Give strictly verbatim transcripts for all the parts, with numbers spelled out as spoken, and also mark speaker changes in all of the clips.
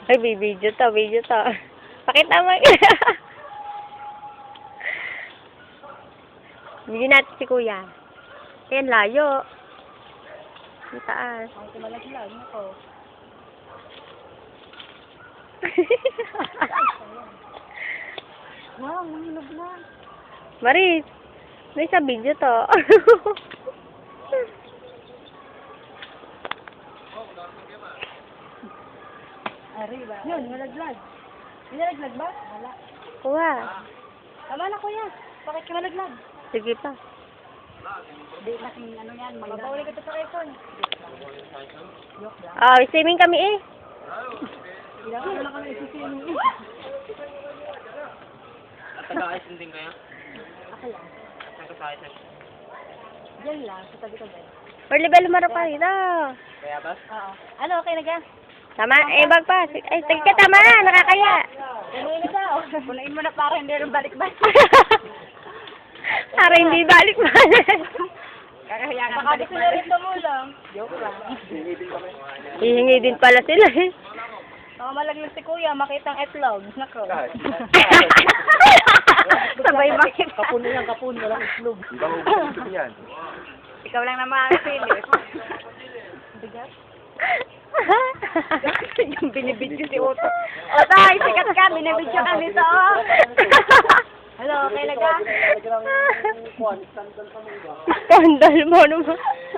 Speaker 1: Ay, may video to, video to. Pakita mo. Bigyan natin si kuya. Ayan, layo. Ang taas.
Speaker 2: Ang kumalaglag ako. Wow, mahulog na.
Speaker 1: Maris, may sa video to.
Speaker 2: Arriba. Yun, malaglag. Malaglag ba? Wala.
Speaker 1: Kuha.
Speaker 2: Tama na kuya. Bakit ka malaglag?
Speaker 1: Sige pa.
Speaker 2: Hindi laking ano yan. Magpapaulit ka sa iPhone. Joke lang.
Speaker 1: Oh, swimming kami eh.
Speaker 2: Kailangan na lang kami isisinin.
Speaker 3: Taga-ayos din kayo?
Speaker 2: Ako lang.
Speaker 3: Saan ka sa
Speaker 2: Diyan lang, sa tabi-tabi.
Speaker 1: Or level umarap pa rin.
Speaker 3: Kaya ba?
Speaker 2: Oo. Ano, okay na ka?
Speaker 1: Tama, eh, bag pa. Ay, sige ka, tama na, nakakaya.
Speaker 2: Punuin na daw. Punuin mo na para hindi rin balik-balik.
Speaker 1: Para hindi balik-balik.
Speaker 2: Kakahiya ka baka gusto na rin tumulong. Joke lang.
Speaker 1: Hihingi din pala sila eh.
Speaker 2: Baka malaglag si kuya, makitang etlog. Nako.
Speaker 1: Sabay makita.
Speaker 3: Kapun na yan, kapun. Walang islog. Ibang ubus yan.
Speaker 2: Ikaw lang naman ang silis. Bigat. Yung binibidyo si Otto. Otto, ay sikat ka, binibidyo ka nito. Hello, okay na ka?
Speaker 1: Skandal mo naman.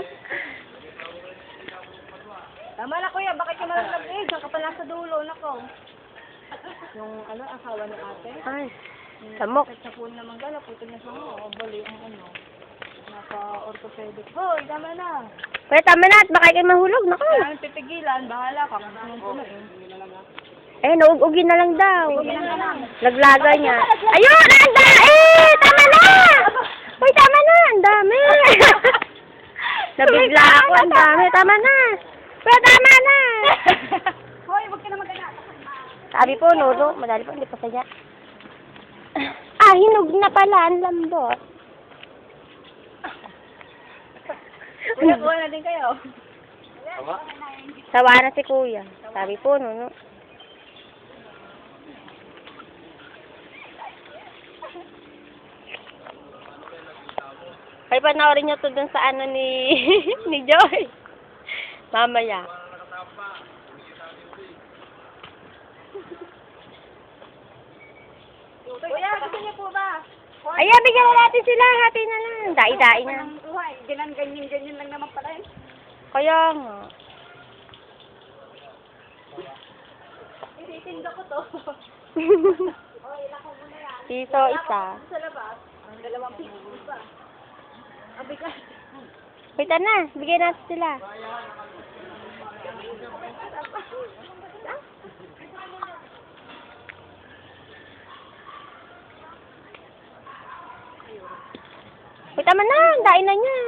Speaker 2: Tama na kuya, bakit ka malaglag eh? Saan ka pala sa dulo, nako. Yung ano, asawa ni ate?
Speaker 1: Ay, samok.
Speaker 2: Sa phone naman gala, puto na sa mo. O, bali ang ano. Naka-orthopedic. Hoy, tama na.
Speaker 1: Kuya, tama na at baka kayo mahulog. Naku.
Speaker 2: Kailangan pipigilan, bahala ka. Kung saan puno eh.
Speaker 1: Eh, nauugugin na lang daw.
Speaker 2: Pigilan ka lang.
Speaker 1: Naglaga niya. Ayun! Ang da! Eh! Tama na! Uy, tama na! Ang dami! Nabigla ako. Ang dami. Tama na! Kuya, tama na!
Speaker 2: Hoy, wag ka na mag-anak.
Speaker 1: Sabi po, Noro. Madali po, hindi pa sadya. Ah, hinog na pala. Ang lambot.
Speaker 2: Kuya, kuha na din kayo.
Speaker 3: Tama?
Speaker 1: Sawa na si kuya. Sabi po, Nuno. Ay, panoorin nyo to dun sa ano ni ni Joy. Mamaya.
Speaker 2: Kuya, gusto niyo po ba?
Speaker 1: Ayan, bigyan na natin sila. Hati na lang. Dai-dai na.
Speaker 2: Uy, ginan ganyan-ganyan lang naman pala yun.
Speaker 1: Kaya nga.
Speaker 2: Ititinda ko to.
Speaker 1: Piso isa.
Speaker 2: Sa labas, ang dalawang piso pa. Ang bigat.
Speaker 1: Wait na. Bigyan natin sila. Wait, tama na. Dain na niya.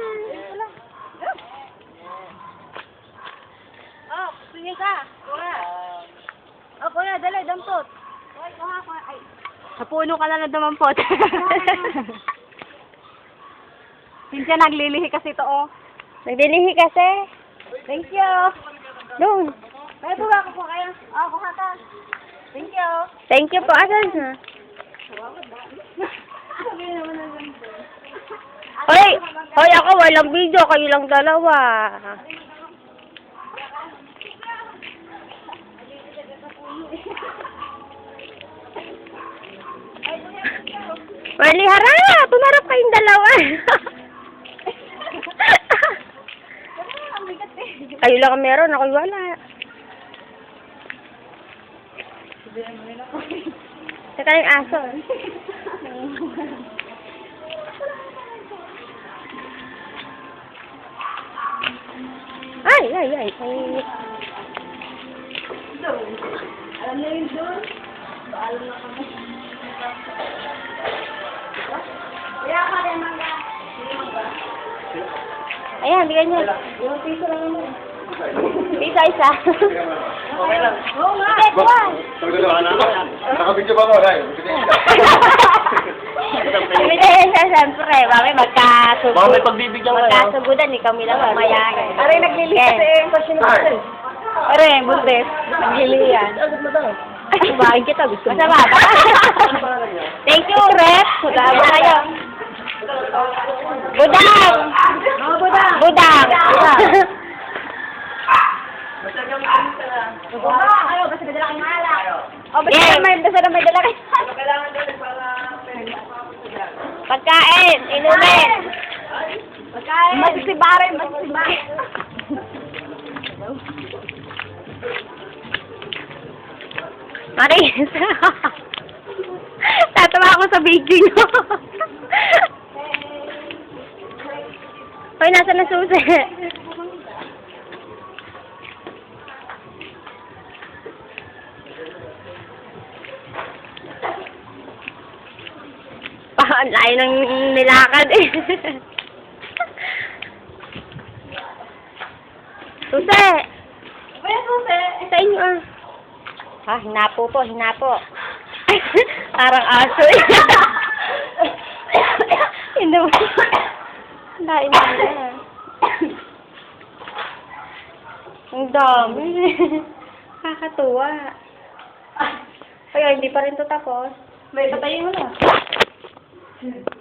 Speaker 2: Oh, sige ka. Kuya. Oh, kuya, dali, dampot. Kuya, kuha, kuha. Ay.
Speaker 1: Sa puno ka na na dumampot.
Speaker 2: Cynthia, naglilihi kasi ito, oh.
Speaker 1: Nagdilihi kasi.
Speaker 2: Thank you.
Speaker 1: Doon.
Speaker 2: Kaya po ba ako po kayo? Oh, kuha ka. Thank you.
Speaker 1: Thank you po. Asan na?
Speaker 2: Sabi naman na lang.
Speaker 1: Hoy! Hoy, ako walang video. Kayo lang dalawa. Mali, harap! Pumarap kayong dalawa. Kayo lang ang meron. Ako'y wala. Saka yung aso. Ay, ay, ay. ay.
Speaker 2: Alam na yun doon? Paalam na kami. Kaya ka rin mangga. Hindi mangga.
Speaker 1: Ayan, bigyan niyo.
Speaker 2: Yung piso lang naman.
Speaker 1: Isa, isa.
Speaker 3: Okay lang.
Speaker 2: Oo nga.
Speaker 1: Sige, kuha.
Speaker 4: Nakabidyo ba mo, Ray?
Speaker 1: Bigyan siya, siyempre. Mami, magkasugo.
Speaker 3: Baka may pagbibigyan kayo.
Speaker 1: Magkasugudan, eh. Kami lang mamayagan.
Speaker 2: Aray, naglilihi kasi yung question natin. Are, bundes. Naghili yan. Kumain kita, gusto mo.
Speaker 1: Masama ba? Thank you, Rep. Salamat kayo. Budang!
Speaker 2: Mga budang.
Speaker 1: Budang!
Speaker 2: Ayaw, basta may dala kang malak. O, basta
Speaker 1: Yeah.
Speaker 2: may, basta na may dala kayo.
Speaker 1: Pagkain! Inumin!
Speaker 2: Pagkain. Masisibare, masisibare.
Speaker 1: Maris! Tatawa ako sa video nyo. Hoy, nasa na susi? Ah, ang layo ng nilakad eh. Susi!
Speaker 2: Kaya susi.
Speaker 1: Sa inyo ah. Ha, hinapo po, hinapo. Parang aso eh. Hindi mo. Lain mo na. Ang dami. Kakatuwa. Kaya hindi pa rin to tapos.
Speaker 2: May patayin mo na.